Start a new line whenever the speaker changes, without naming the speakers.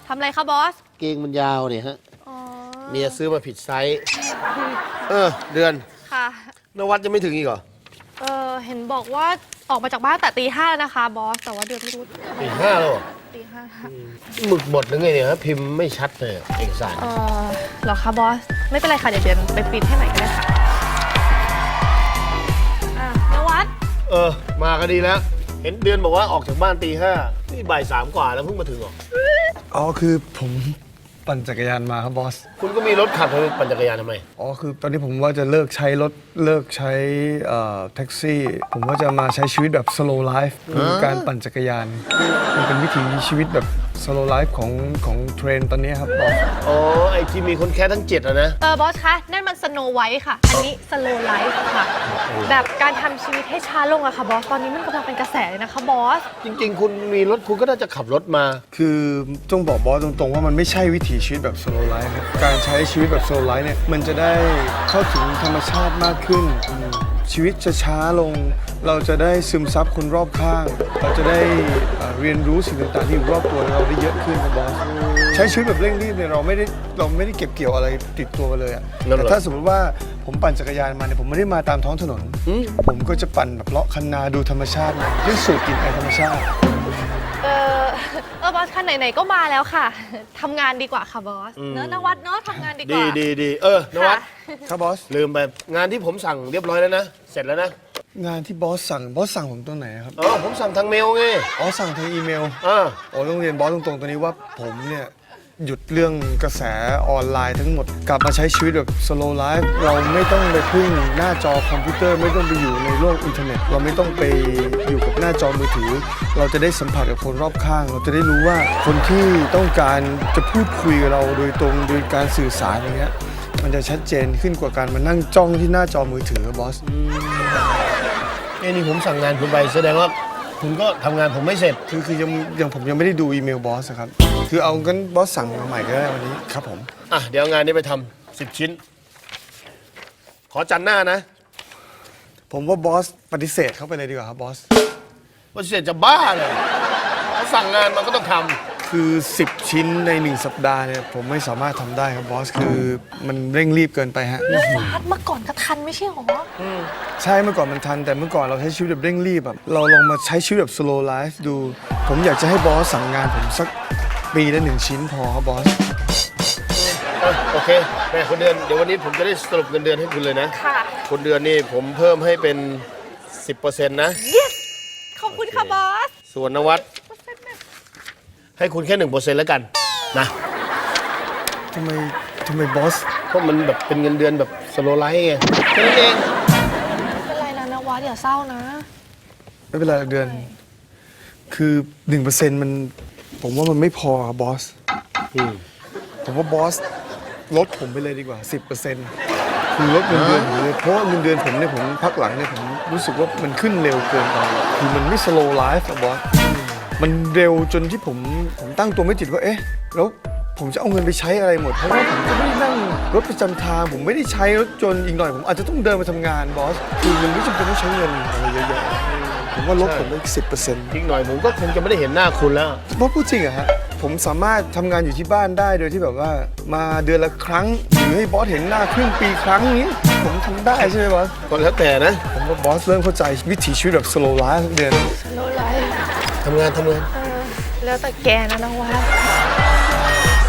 ทำอะไรคะบอส
เกงมันยาวเนี่ยฮะ
อ๋อ
เมียซื้อมาผิดไซส์เดือน
ค่ะ
นวัดจะไม่ถึงอีกเหรอ
เห็นบอกว่าออกมาจากบ้านแต่ตี 5แล้วนะคะบอส แต่ว่าเดือนไม่รู้
ตี 5แล้วเหรอ
ตี 5
หมึกบดหรือไงเนี่ยฮะพิมพ์ไม่ชัดเลยเอกสาร
เหรอคะบอส ไม่เป็นไรค่ะเดี๋ยวเดือนไปปริ้นให้ใหม่ก็ได้ค่ะนวัด
มาก็ดีแล้ว เห็นเดือนบอกว่าออกจากบ้านตี 5นี่บ่าย 3กว่าแล้วเพิ่งมาถึงเหรอ
อ๋อคือผมปั่นจักรยานมาครับบอส
คุณก็มีรถขับคุณปั่นจักรยานทำไม
อ๋อคือตอนนี้ผมว่าจะเลิกใช้รถเลิกใช้แท็กซี่ ผมว่าจะมาใช้ชีวิตแบบ slow life คือการปั่นจักรยาน มันเป็นวิถีชีวิตแบบ slow life ของเทรนด์ตอนนี้ครับบอส
อ๋อ ไอ้ที่มีคนแค่ทั้ง7อะนะ
บอสคะ นั่นมัน Snow White ค่ะ อันนี้ Slow Life ค่ะ แบบการทำชีวิตให้ช้าลงอะค่ะบอส ตอนนี้มันกำลังเป็นกระแสเลยนะคะบอส
จริงๆ คุณมีรถคุณก็น่าจะขับรถมา
คือต้องบอกบอสตรงๆว่ามันไม่ใช่วิถีชีวิตแบบ slow life ครับการใช้ชีวิตแบบ slow life เนี่ยมันจะได้เข้าถึงธรรมชาติมากขึ้น ชีวิตจะช้าลง เราจะได้ซึมซับคนรอบข้าง เราจะได้เรียนรู้สิ่งต่างๆที่อยู่รอบตัวเราได้เยอะขึ้นครับบอส ใช้ชีวิตแบบเร่งรีบเนี่ยเราไม่ได้เก็บเกี่ยวอะไรติดตัวกันเลยอะ
นั่นเหรอ
แต่ถ้าสมมติว่าผมปั่นจักรยานมาเนี่ยผมไม่ได้มาตามท้องถนน ผมก็จะปั่นแบบเลาะคันนาดูธรรมชาติด้วยสูดกลิ่นไอธรรมชาติ
บอสคะไหนๆก็มาแล้วค่ะ ทำงานดีกว่าค่ะบอส เนอะนวัดเนอะทำงานดีกว่า
ดีนวัด
ค่ะ
ครับบอส
ลืมไปงานที่ผมสั่งเรียบร้อยแล้วนะ เสร็จแล้วนะ
งานที่บอสสั่งผมตัวไหนครับ
อ๋อ ผมสั่งทางเมลไง
อ๋อสั่งทางอีเมล
อ่า
โอ้ต้องเรียนบอสตรงๆตัวนี้ว่าผมเนี่ยหยุดเรื่องกระแสออนไลน์ทั้งหมดกลับมาใช้ชีวิตแบบ slow life เราไม่ต้องไปพึ่งหน้าจอคอมพิวเตอร์ไม่ต้องไปอยู่ในโลกอินเทอร์เน็ต เราไม่ต้องไปอยู่กับหน้าจอมือถือ เราจะได้สัมผัสกับคนรอบข้าง เราจะได้รู้ว่าคนที่ต้องการจะพูดคุยกับเราโดยตรงโดยการสื่อสารอย่างเงี้ยมันจะชัดเจนขึ้นกว่าการมานั่งจ้องที่หน้าจอมือถือบอส
นี่ผมสั่งงานคุณไปแสดงว่าคุณก็ทำงานผมไม่เสร็จ
คือยังผมยังไม่ได้ดูอีเมลบอสอะครับคือเอากันบอสสั่งมาใหม่ก็ได้วันนี้ครับผม
อ่ะ เดี๋ยวเอางานนี้ไปทำ10 ชิ้น ขอจันทร์หน้านะ
ผมว่าบอสปฏิเสธเข้าไปเลยดีกว่าครับบอส
ว่าเสร็จจะบ้าเลยเขาสั่งงานมันก็ต้องทำ
คือ 10 ชิ้นใน 1 สัปดาห์เนี่ยผมไม่สามารถทำได้ครับบอส คือมันเร่งรีบเกินไปฮะ
นวัดเมื่อก่อนก็ทันไม่ใช่หรอ
ใช่เมื่อก่อนมันทันแต่เมื่อก่อนเราใช้ชีวิตแบบเร่งรีบแบบเราลองมาใช้ชีวิตแบบ slow life ดู ผมอยากจะให้บอสสั่งงานผมสักปีละ1 ชิ้นพอครับบอส
โอเคแม่คนเดือนเดี๋ยววันนี้ผมจะได้สรุปเงินเดือนให้คุณเลยนะ
ค่ะ
คนเดือนนี่ผมเพิ่มให้เป็น 10%นะ
yes ขอบคุณค่ะบอส
ส่วนนวัดให้คุณแค่ 1%แล้วกันนะ
ทำไมบอส
เพราะมันแบบเป็นเงินเดือนแบบสโลไลท์ไงแค่นั้นเอง
ไม่เป็นไรนะนวัดอย่าเศร้านะ
ไม่เป็นไรหรอกเดือน คือ 1%มันผมว่ามันไม่พอครับบอส ผมว่าบอสลดผมไปเลยดีกว่า 10%คือลดเงินเดือนผมเลยเพราะว่าเงินเดือนผมเนี่ยผมพักหลังเนี่ยผมรู้สึกว่ามันขึ้นเร็วเกินไปคือมันไม่ slow life อะบอสมันเร็วจนที่ผมตั้งตัวไม่ติดว่าเอ๊ะแล้วผมจะเอาเงินไปใช้อะไรหมดเพราะว่าผมก็ไม่ได้นั่งรถประจำทางผมไม่ได้ใช้รถจนต์อีกหน่อยผมอาจจะต้องเดินไปทำงานบอสคือมันไม่จำเป็นต้องใช้เงินอะไรเยอะแยะผมว่าลดผมไป10%
อีกหน่อยผมก็คงจะไม่ได้เห็นหน้าคุณแล้ว
บอสพูดจริงอะฮะผมสามารถทำงานอยู่ที่บ้านได้โดยที่แบบว่ามาเดือนละครั้งหรือให้บอสเห็นหน้าครึ่งปีครั้งนี้ผมทำได้ใช่ไหมบอส
ก็แล้วแต่นะ
ผมว่าบอสเริ่มเข้าใจวิถีชีวิตแบบ slow life ทุกเดือน
โลไลฟ์
ทำงาน
แล้วแต่แกนะนวัด